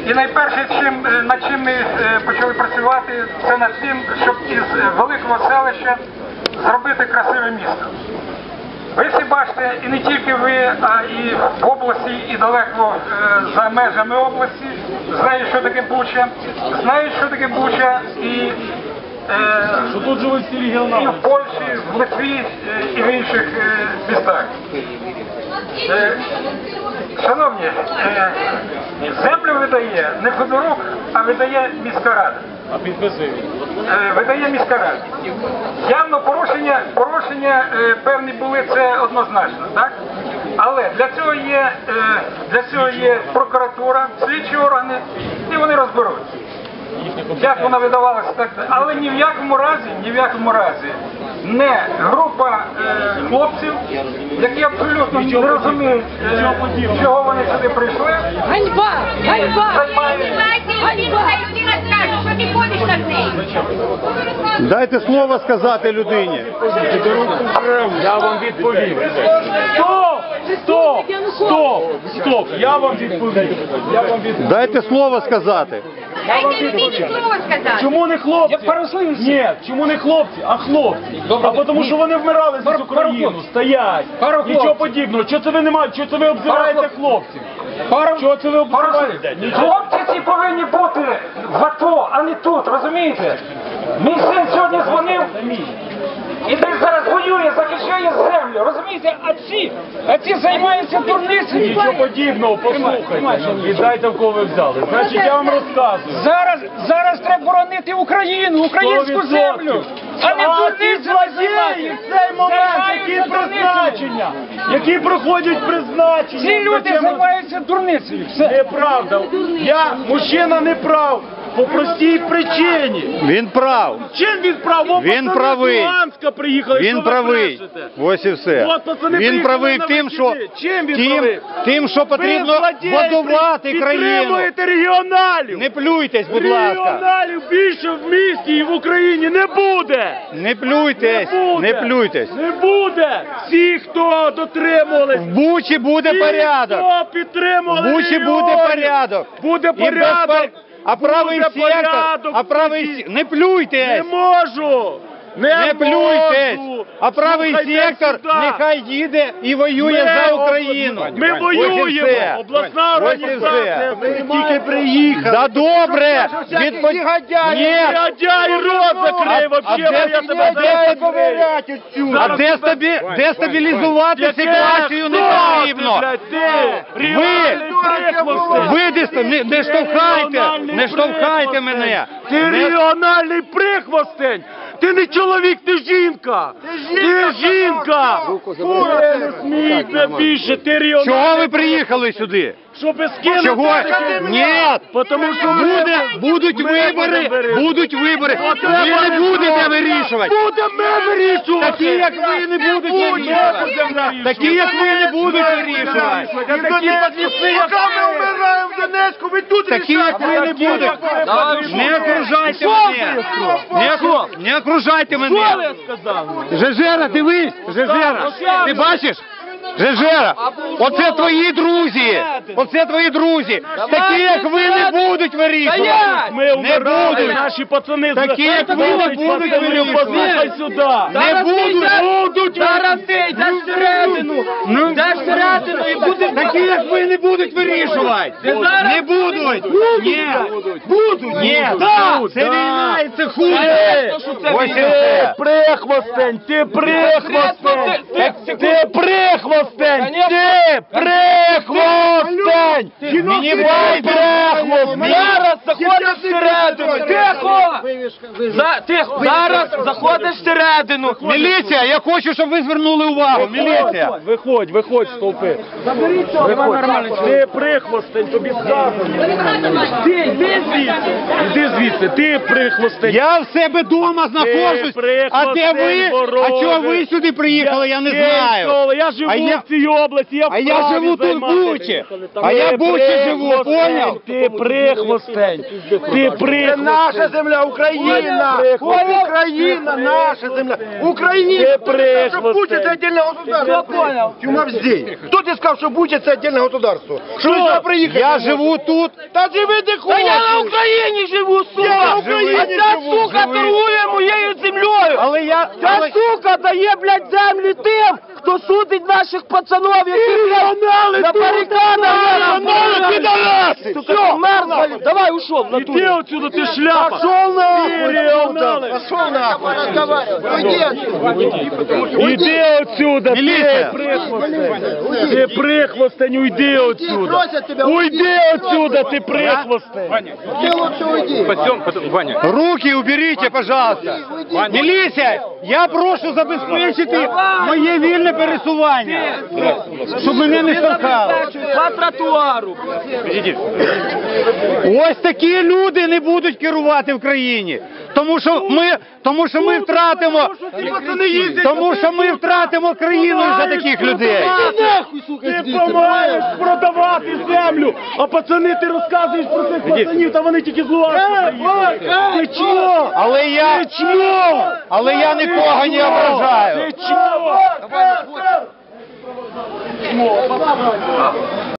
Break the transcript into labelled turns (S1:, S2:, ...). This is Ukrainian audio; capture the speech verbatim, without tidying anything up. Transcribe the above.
S1: І найперше, чим, над чим ми почали працювати, це над тим, щоб із великого селища зробити красиве місто. Ви всі бачите, і не тільки ви, а і в області, і далеко за межами області, знають, що таке Буча, знають, що таке Буча, і, е,
S2: що тут живуть всі регіонали.
S1: І в Польщі, в Литві, і в інших містах. Е, шановні, е, землю видає не Федорук, а видає міська рада.
S2: А підписує?
S1: Е, видає міська рада. Явно порушення, порушення е, певні були, це однозначно, так? Але для цього є, е, для цього є прокуратура, слідчі органи, і вони розберуться. Як вона видавалася, так, але ні в якому разі, ні в якому разі не група е, хлопців, які абсолютно не розуміють, е, чого вони сюди прийшли.
S3: Ганьба! Ганьба!
S4: Дайте слово сказати людині.
S2: Я вам відповім. Стоп! Стоп! Стоп! Стоп! Я вам відповім. Я вам відповім.
S4: Дайте слово сказати.
S3: Дайте мені слово сказати.
S2: Чому не хлопці? Ні, чому не хлопці, а хлопці? А тому що вони вмирали за Україну, стоять. Нічого подібного. Чого це ви не маєте? Чого це ви обзираєте хлопців? Чого це ви обзираєте?
S1: Хлопці ці повинні бути в АТО, а не тут, розумієте? Мій син сьогодні дзвонив, і десь зараз воює, захищає землю, розумієте? А ці, а ці займаються дурницею.
S2: Нічого подібного, послухайте. Віддайте, в кого ви взяли. Значить, я вам розказую.
S1: Зараз, зараз треба боронити Україну, українську землю, а не дурницею займатися.
S2: Цей момент, які призначення, які проходять призначення.
S1: Ці люди займаються дурницею. Все.
S2: Неправда. Я, мужчина, не прав. По простій причині.
S4: Він прав.
S2: Чим він прав? О,
S4: Він
S2: пацани
S4: правий.
S2: з Луганська приїхали.
S4: Він правий. Ось і все.
S2: От, пацани,
S4: Він правий
S2: приїхали
S4: тим,
S2: на
S4: що
S2: вихідні. Чим він
S4: тим,
S2: правий?
S4: тим, що потрібно
S2: Ви, злодії,
S4: будувати країну.
S2: підтримуєте регіоналів.
S4: Не плюйтесь, будь ласка.
S2: Регіоналів більше в місті і в Україні не буде.
S4: Не плюйтесь,
S2: Не буде.
S4: не плюйтесь.
S2: Не буде. Всі, хто дотримувались.
S4: В Бучі буде
S2: всі,
S4: порядок.
S2: хто підтримували
S4: В Бучі
S2: регіонів.
S4: буде порядок.
S2: Буде
S4: І без
S2: порядок.
S4: пор- А правий
S2: Буде
S4: сектор,
S2: порядок
S4: а правий
S2: в Бучі.
S4: сектор, не плюйтесь.
S2: Не можу. Не,
S4: Не плюйтесь,
S2: можу.
S4: а правий
S2: Слухайте
S4: сектор
S2: сюди.
S4: нехай їде і воює
S2: Ми
S4: за
S2: об-
S4: Україну.
S2: Ми
S4: Ось і
S2: воюємо,
S4: все.
S2: обласна
S4: Ось і
S2: організація.
S4: все.
S2: Ми тільки приїхали.
S4: Да добре, відпо... Ні,
S2: Негодяй, рот закрий, вообще,
S4: де-
S2: я тебе
S4: де-
S2: зараз
S4: де-
S2: закрию.
S4: а дестабі... дестабілізувати
S2: Яке?
S4: ситуацію не
S2: Хто ти,
S4: потрібно.
S2: блядь, ти? Регіональний прихвостень.
S4: Ви деста... не, не штовхайте,
S2: Регіональний
S4: не штовхайте
S2: прихвостень.
S4: мене.
S2: Ти
S4: Не-
S2: регіональний прихвостень. Ти не чоловік, ти жінка. Ти жінка. Ти не смійте більше, ти регіональний.
S4: Чого ви приїхали сюди?
S2: Щоб скинути.
S4: Чого? Ні.
S2: Потому що ми-
S4: Буде, будуть
S2: ми
S4: вибори,
S2: будемо вирішувати.
S4: будуть вибори.
S2: От
S4: Ви
S2: треба
S4: не будете
S2: вирішувати.
S4: вирішувати.
S2: Будемо вирішувати.
S4: Такі, як ви, не будуть вирішувати. Такі, як ви, не будуть вирішувати.
S2: Такі подліси, як ми вмираємо в Донецьку, ви тут
S4: Такі, як ви, не будуть. Не окружайте мене. Не, окру- не окружайте мене.
S2: Що я сказав?
S4: Жежера, дивись, Жежера, ти бачиш? Жежера, оце твої друзі, оце твої друзі. Такі, як ви, не будуть вирішувати.
S2: Ми
S4: Не
S2: вмирали,
S4: будуть.
S2: наші пацани. з-
S4: Такі, як ви, не будуть
S2: Пацани,
S4: вирішувати.
S2: послухай сюди.
S4: Не будуть.
S2: Будуть.
S3: Зараз ти йдеш всередину,
S4: Ну,
S3: йдеш всередину і будеш...
S4: такі, як ви, не будуть вирішувати. Не будуть. Ні.
S2: Будуть.
S4: Ні.
S2: Да.
S4: Це війна і це хуй.
S2: Ти,
S4: Ось і
S2: ти
S4: все.
S2: прихвостень, ти прихвостень,
S3: Ти-
S2: ти прихвостень, ти прихвостень, мені бай прихвостень. Зараз заходиш всередину, тихо, За- тихо, зараз заходиш всередину.
S4: Міліція, я хочу, щоб ви звернули увагу. Міліція.
S2: Виходь, виходь, стовпи. Виходь. Ти прихвостень, тобі сказано. Ти, йди звідси, йди звідси, ти прихвостень.
S4: Я в себе вдома знаходжусь, а де ви? А чого ви сюди приїхали, я не знаю.
S2: Я живу
S4: А я
S2: я в цій області, я
S4: А я
S2: вправі
S4: живу тут в
S2: займатися.
S4: Бучі. А я в Бучі живу, поняв?
S2: Ти прихвостень, ти прихвостень.
S5: Наша земля, Україна!
S2: Понял?
S5: Україна, наша земля! Україна!
S2: Ты
S5: Кто тебе сказал, что
S2: прихвостень.
S5: Буча это отдельное государство? Кто понял? Тюма здесь. Кто тебе сказал, что Буча это отдельное государство? Что вы сюда приехали?
S4: Я живу тут.
S5: Та живи де хочеш!
S3: Та я на Україні живу, сука!
S5: Я на Україні
S3: а ця
S5: живу,
S3: сука
S4: живи.
S3: торгує моєю землею!
S4: Але я...
S3: Ця
S4: але-
S3: сука дає, блядь, землю тим, хто судить наших пацанов, які, блядь, на барикадах!
S5: підараси!
S3: Сука, мерзла! Давай, ушов, в
S2: Іди
S3: натурі!
S2: отсюда, ти шляпа.
S5: Пошел нахуй!
S2: Регионалы.
S5: Пошел нахуй! Уйди отсюда!
S2: Іди отсюда, ти
S4: Міліція.
S2: прихвостень. Ти прихвостень, уйди отсюда. Уйди отсюда, ти прихвостень.
S5: Ты лучше уйди!
S4: Руки уберите, пожалуйста. Міліція, я прошу забезпечити моє вільне пересування, щоб мене не штовхали.
S3: По тротуару!
S4: Ось такі люди не будуть керувати в країні. Тому що ми, тому що ми втратимо, тому що ми втратимо країну за таких людей.
S2: Ти помагаєш продавати землю, а пацани ти розказуєш про цих пацанів, та вони тільки з Луганська приїхали. Ти чмо?
S4: Але я,
S2: Ти чмо?
S4: але я нікого не ображаю.
S2: Ти чмо?